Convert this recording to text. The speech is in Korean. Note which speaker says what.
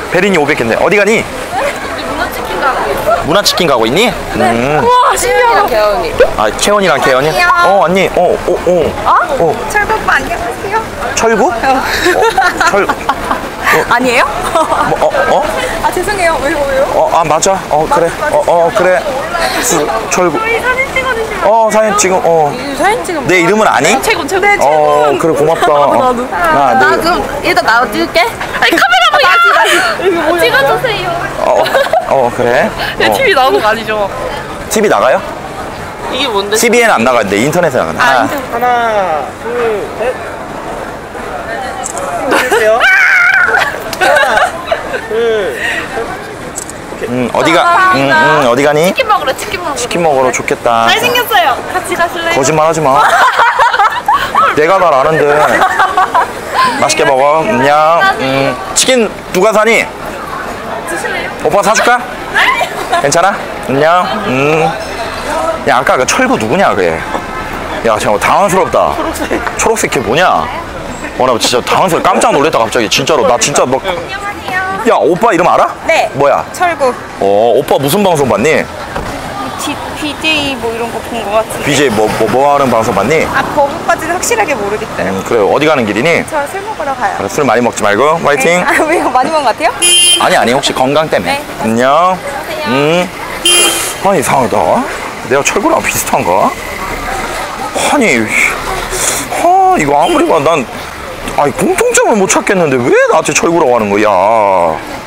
Speaker 1: 베린이 500개인데 어디 가니?
Speaker 2: 문어치킨 가고 있어.
Speaker 1: 문화치킨 가고 있니?
Speaker 2: 우와 신기하다. 개원이.
Speaker 1: 아 채원이랑 개연이?
Speaker 2: 안녕.
Speaker 1: 언니
Speaker 2: 철구 오빠 안녕하세요.
Speaker 1: 철구? 철
Speaker 2: 아니에요?
Speaker 1: 뭐,
Speaker 2: 아 죄송해요. 왜요?
Speaker 1: 아 맞아 그래 그래 철구
Speaker 2: 저희 사진 찍어주시면.
Speaker 1: 사진 지금
Speaker 2: 사진 찍으면.
Speaker 1: 내 이름은 아니?
Speaker 2: 최고 최고. 네 최고.
Speaker 1: 그래 고맙다
Speaker 2: 나도.
Speaker 1: 하나
Speaker 2: 나
Speaker 1: 둘
Speaker 2: 그럼 일단 나도 찍을게. 아니 카메라 보여. 찍어주세요.
Speaker 1: 그래
Speaker 2: TV 나오는 거 아니죠?
Speaker 1: TV 나가요?
Speaker 2: 이게 뭔데?
Speaker 1: TV에는 안 나가는데 인터넷에 나가는데
Speaker 3: 하나, 둘, 셋. 주세요. 하나, 둘.
Speaker 1: 어디가 어디 가니?
Speaker 2: 치킨 먹으러 치킨 먹으러.
Speaker 1: 치킨 먹으러 좋겠다
Speaker 2: 잘생겼어요. 같이 가실래요?
Speaker 1: 거짓말 하지 마 내가 날 아는데 맛있게 먹어 안녕 치킨 누가 사니?
Speaker 2: 드실래요?
Speaker 1: 오빠 사줄까? 괜찮아? 안녕 야 아까 그 철구 누구냐 그게 야 잠깐 당황스럽다 초록색 걔 뭐냐 나 진짜 당황스러워 깜짝 놀랐다 갑자기 진짜로 나 진짜 막 야 오빠 이름 알아?
Speaker 2: 네.
Speaker 1: 뭐야?
Speaker 2: 철구.
Speaker 1: 오빠 무슨 방송 봤니?
Speaker 2: BJ 뭐 이런 거 본 거 같은데.
Speaker 1: BJ 뭐 하는 방송 봤니?
Speaker 2: 아 거기까지는 확실하게 모르겠어요.
Speaker 1: 그래 어디 가는 길이니?
Speaker 2: 저 술 먹으러 가요.
Speaker 1: 그래, 술 많이 먹지 말고 화이팅
Speaker 2: 아 왜요? 많이 먹은 것 같아요?
Speaker 1: 아니 혹시 건강 때문에
Speaker 2: 네.
Speaker 1: 안녕 아니 이상하다 내가 철구랑 비슷한가? 아니 이거 아무리 봐도 난 공통점을 못 찾겠는데 왜 나한테 철구라고 하는 거야